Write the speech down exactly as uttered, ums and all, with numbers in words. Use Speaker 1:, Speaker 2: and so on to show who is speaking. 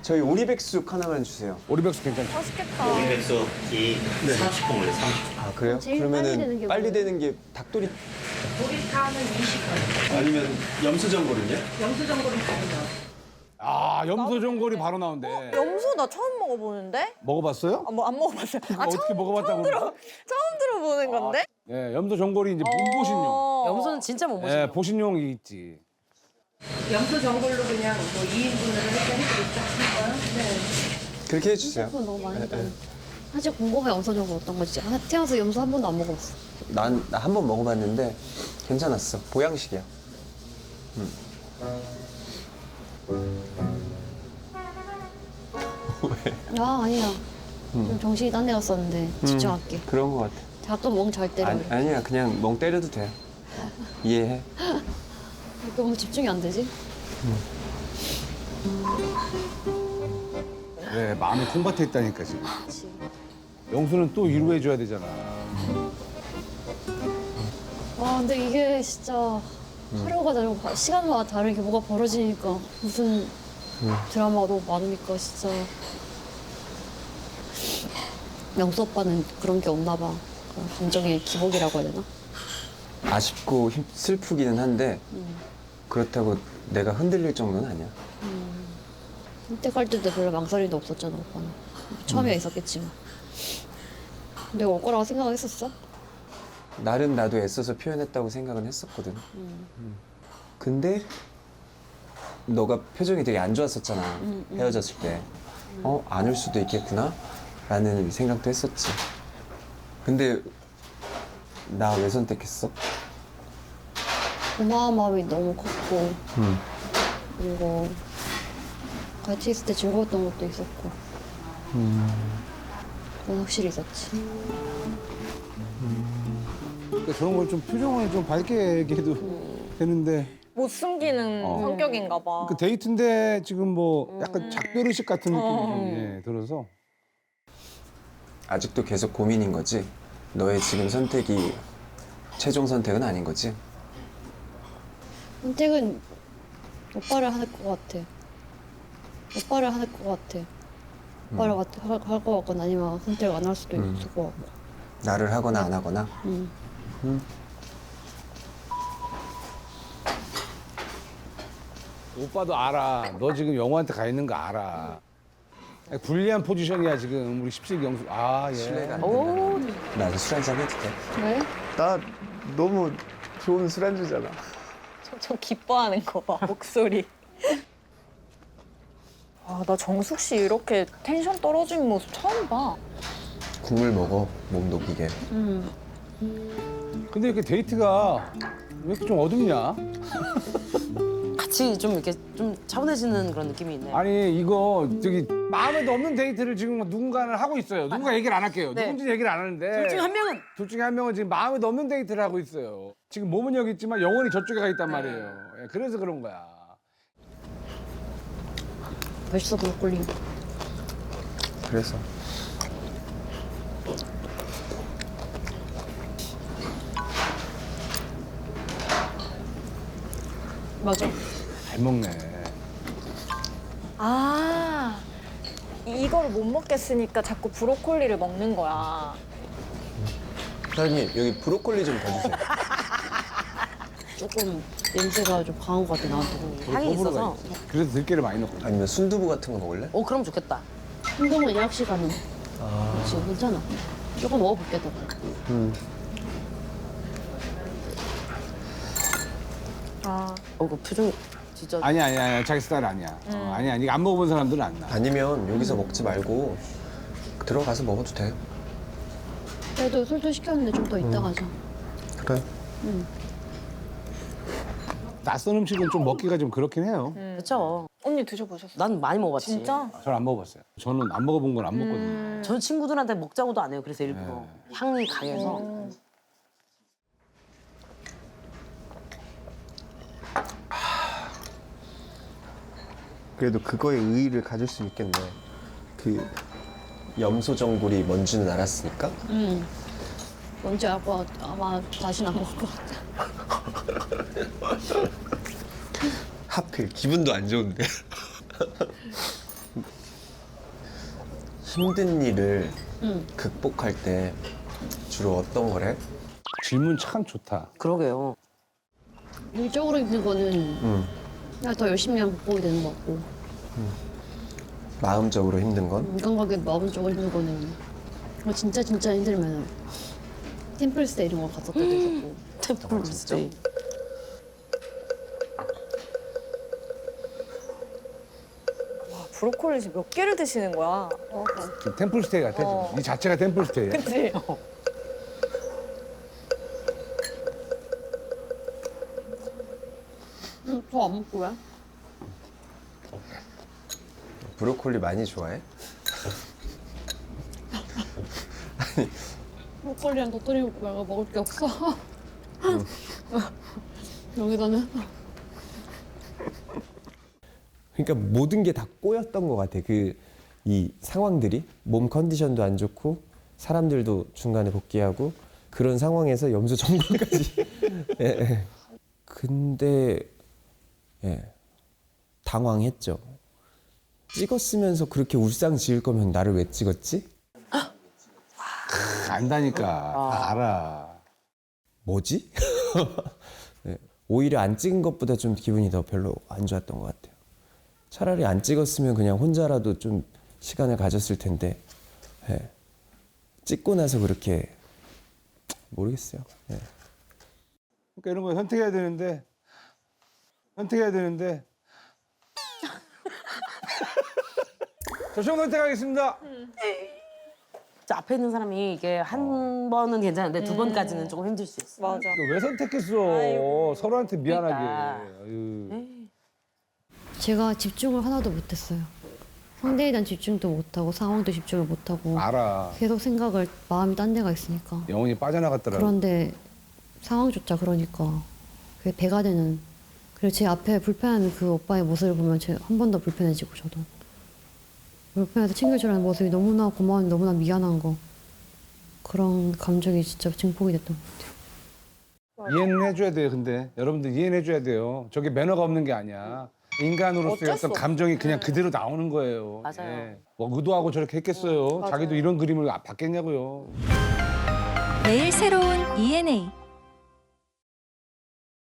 Speaker 1: 저희 오리백숙 하나만 주세요.
Speaker 2: 오리백숙 괜찮죠?
Speaker 3: 맛있겠다.
Speaker 4: 오리백숙이 삼십 분 걸려, 삼십 분.
Speaker 1: 아 그래요?
Speaker 5: 제일 빨리
Speaker 1: 그러면은
Speaker 5: 되는 게
Speaker 1: 빨리
Speaker 5: 뭐예요?
Speaker 1: 되는 게 닭도리
Speaker 6: 도리탕은 이십 분,
Speaker 1: 아니면 염수전골은요?
Speaker 6: 영수전골은 다르죠.
Speaker 2: 아 염소전골이 바로 나온대.
Speaker 3: 염소 나 처음 먹어보는데?
Speaker 2: 먹어봤어요?
Speaker 3: 아, 뭐 안 먹어봤어요. 아,
Speaker 2: 어떻게
Speaker 3: 처음,
Speaker 2: 먹어봤다고
Speaker 3: 처음, 들어,
Speaker 2: 그러나?
Speaker 3: 처음 들어보는 건데?
Speaker 2: 네, 염소전골이 이제 몸보신용.
Speaker 3: 어.
Speaker 7: 염소는 진짜 못 보시죠.
Speaker 2: 네, 보신용이 있지.
Speaker 6: 영수전골로 그냥 뭐 이 인분으로 이렇게 해드릴까 싶어요? 네.
Speaker 1: 그렇게 해주세요.
Speaker 5: 그건 너무 많이
Speaker 1: 네,
Speaker 5: 했잖아.
Speaker 1: 네.
Speaker 5: 사실 궁금해 염소전골 어떤 건지. 아, 태어나서 염소 한 번도 안 먹어봤어.
Speaker 1: 난 나 한 번 먹어봤는데 괜찮았어. 보양식이야.
Speaker 5: 아 아니야. 좀 정신이 딴 데 갔었는데 집중할게.
Speaker 1: 그런 거 같아.
Speaker 5: 가끔 멍 잘 때려.
Speaker 1: 아니, 아니야 그냥 멍 때려도 돼. 이해해.
Speaker 5: 너무 집중이 안 되지?
Speaker 2: 네, 마음이 콩밭에 있다니까 지금.
Speaker 5: 그치.
Speaker 2: 영수는 또 위로해줘야 되잖아.
Speaker 5: 와 근데 이게 진짜 하루가 다르고 시간마다 다르게 뭐가 벌어지니까 무슨 드라마가 너무 많으니까 진짜 영수 오빠는 그런 게 없나 봐. 그런 감정의 기복이라고 해야 되나?
Speaker 1: 아쉽고 힘, 슬프기는 한데 그렇다고 내가 흔들릴 정도는 아니야.
Speaker 5: 한때 갈 때도 별로 망설임도 없었잖아 오빠는. 처음에 있었겠지만. 내가 올 거라고 생각했었어?
Speaker 1: 나름 나도 애써서 표현했다고 생각은 했었거든. 음. 근데 너가 표정이 되게 안 좋았었잖아.
Speaker 5: 음, 음.
Speaker 1: 헤어졌을 때. 어? 안 올 수도 있겠구나? 라는 생각도 했었지. 근데 나 왜 선택했어?
Speaker 5: 고마운 마음이 너무 컸고
Speaker 1: 음.
Speaker 5: 그리고 같이 있을 때 즐거웠던 것도 있었고 그건 확실히 있었지.
Speaker 2: 그러니까 저런 걸 좀 표정을 좀 밝게 얘기해도 되는데.
Speaker 3: 못 숨기는
Speaker 2: 어.
Speaker 3: 성격인가 봐.
Speaker 2: 그 데이트인데 지금 뭐 약간 작별의식 같은 느낌이
Speaker 3: 어.
Speaker 2: 좀, 예, 들어서.
Speaker 1: 아직도 계속 고민인 거지? 너의 지금 선택이 최종 선택은 아닌 거지?
Speaker 5: 선택은 오빠를 할 것 같아. 오빠를 할 것 같아. 오빠를 할 것 같거나 아니면 선택 안 할 수도
Speaker 1: 음.
Speaker 5: 있을 것 같고.
Speaker 1: 나를 하거나 안 하거나?
Speaker 5: 음.
Speaker 2: 오빠도 알아. 너 지금 영호한테 가 있는 거 알아. 불리한 포지션이야 지금 우리 십세기 영수. 아 예.
Speaker 1: 신뢰가 안
Speaker 7: 오,
Speaker 1: 된다. 나도 술 한잔 해도 돼?
Speaker 5: 왜?
Speaker 1: 나 너무 좋은 술안주잖아.
Speaker 3: 저 기뻐하는 거 봐, 목소리. 아, 나 정숙 씨 이렇게 텐션 떨어진 모습 처음 봐.
Speaker 1: 국물 먹어, 몸 녹이게.
Speaker 5: 음.
Speaker 2: 근데 이렇게 데이트가 왜 이렇게 좀 어둡냐?
Speaker 7: 같이 좀 이렇게 좀 차분해지는 그런 느낌이 있네.
Speaker 2: 아니 이거 저기 마음에도 없는 데이트를 지금 누군가는 하고 있어요. 누군가 얘기를 안 할게요.
Speaker 7: 네.
Speaker 2: 누군지 얘기를 안 하는데.
Speaker 7: 둘 중 한 명은
Speaker 2: 둘 중에 한 명은 지금 마음에도 없는 데이트를 하고 있어요. 지금 몸은 여기 있지만 영혼이 저쪽에 가 있단 말이에요. 예, 그래서 그런 거야.
Speaker 5: 맛있어 브로콜리.
Speaker 1: 그래서.
Speaker 5: 맞아.
Speaker 2: 잘 먹네.
Speaker 3: 아, 이거를 못 먹겠으니까 자꾸 브로콜리를 먹는 거야.
Speaker 1: 사장님, 여기 브로콜리 좀 더 주세요.
Speaker 5: 조금 냄새가 좀 강한 것 같아 나한테.
Speaker 7: 향이 있어서.
Speaker 2: 그래서 들깨를 많이 넣고.
Speaker 1: 아니면 순두부 같은 거 먹을래?
Speaker 7: 오, 그럼 좋겠다.
Speaker 5: 한동안 예약 시간은
Speaker 1: 아.
Speaker 5: 지금 괜찮아. 조금 먹어볼게 더.
Speaker 1: 음.
Speaker 3: 아,
Speaker 7: 어, 그 표정 진짜.
Speaker 2: 아니야 아니야 아니야 자기 스타일 아니야. 어, 아니야 아니 안 먹어본 사람들은 안 나.
Speaker 1: 아니면 여기서 먹지 말고 들어가서 먹어도 돼.
Speaker 5: 그래도 술도 시켰는데 좀 더 이따 가자.
Speaker 1: 그래.
Speaker 2: 낯선 음식은 좀 먹기가 좀 그렇긴 해요.
Speaker 7: 그렇죠.
Speaker 3: 언니 드셔보셨어요?
Speaker 7: 난 많이 먹어봤지.
Speaker 3: 진짜?
Speaker 2: 저는 안 먹어봤어요. 저는 안 먹어본 건 안 먹거든요.
Speaker 7: 저는 친구들한테 먹자고도 안 해요. 그래서 일부러 향이 강해서.
Speaker 1: 그래도 그거에 의의를 가질 수 있겠네. 그 염소전골이 뭔지는 알았으니까.
Speaker 5: 음. 뭔지 알고 아마 다시는 안 먹을 것 같아.
Speaker 1: 하필 기분도 안 좋은데. 힘든 일을
Speaker 5: 응.
Speaker 1: 극복할 때 주로 어떤 걸 해?
Speaker 2: 질문 참 좋다.
Speaker 7: 그러게요.
Speaker 5: 일적으로 힘든 거는
Speaker 1: 응.
Speaker 5: 그냥 더 열심히 하면 극복이 되는 것 같고
Speaker 1: 마음적으로 힘든 건?
Speaker 5: 인간관계 마음적으로 힘든 거는 뭐 진짜 진짜 힘들면 템플스테이 이런 거 갔었던 도 있었고
Speaker 7: 템플 스테이.
Speaker 3: 브로콜리 지금 몇 개를 드시는 거야?
Speaker 2: 좀 템플스테이 같아.
Speaker 3: 어.
Speaker 2: 이 자체가 템플스테이야.
Speaker 3: 그치?
Speaker 5: 응, 더안 먹고 왜?
Speaker 1: 브로콜리 많이 좋아해?
Speaker 5: 브로콜리랑 도토리 먹고 말고 먹을 게 없어. 여기다는
Speaker 8: 그러니까 모든 게 다 꼬였던 것 같아. 그 이 상황들이 몸 컨디션도 안 좋고 사람들도 중간에 복귀하고 그런 상황에서 염소 전골까지. 예, 예. 근데 예, 당황했죠. 찍었으면서 그렇게 울상 지을 거면 나를 왜 찍었지?
Speaker 2: 안다니까. 다 알아.
Speaker 8: 뭐지? 예, 오히려 안 찍은 것보다 좀 기분이 더 별로 안 좋았던 것 같아요. 차라리 안 찍었으면 그냥 혼자라도 좀 시간을 가졌을 텐데 예, 찍고 나서 그렇게 모르겠어요. 예.
Speaker 2: 그러니까 이런 거 선택해야 되는데 선택해야 되는데 저총 선택하겠습니다.
Speaker 7: 자, 앞에 있는 사람이 이게 한 번은 괜찮은데 두 번까지는 조금 힘들 수 있어.
Speaker 3: 맞아.
Speaker 2: 너 왜 선택했어? 서로한테 미안하게.
Speaker 7: 그러니까.
Speaker 2: 아유.
Speaker 5: 제가 집중을 하나도 못했어요. 상대에 대한 집중도 못하고 상황도 집중을 못하고
Speaker 2: 알아.
Speaker 5: 계속 생각을 마음이 딴 데가 있으니까
Speaker 2: 영혼이 빠져나갔더라고.
Speaker 5: 그런데 상황조차 그러니까 그게 배가 되는 그리고 제 앞에 불편한 그 오빠의 모습을 보면 한 번 더 불편해지고 저도 불편해서 챙겨주라는 모습이 너무나 고마운 너무나 미안한 거 그런 감정이 진짜 증폭이 됐던 것 같아요.
Speaker 2: 이해는 해줘야 돼요. 근데 여러분들 이해는 해줘야 돼요. 저게 매너가 없는 게 아니야. 인간으로서의
Speaker 3: 어쩔 수
Speaker 2: 어떤 감정이 그냥 그대로 나오는 거예요.
Speaker 7: 맞아요.
Speaker 2: 예. 뭐 의도하고 저렇게 했겠어요.
Speaker 3: 맞아요.
Speaker 2: 자기도 이런 그림을 받겠냐고요.
Speaker 9: 매일 새로운 이엔에이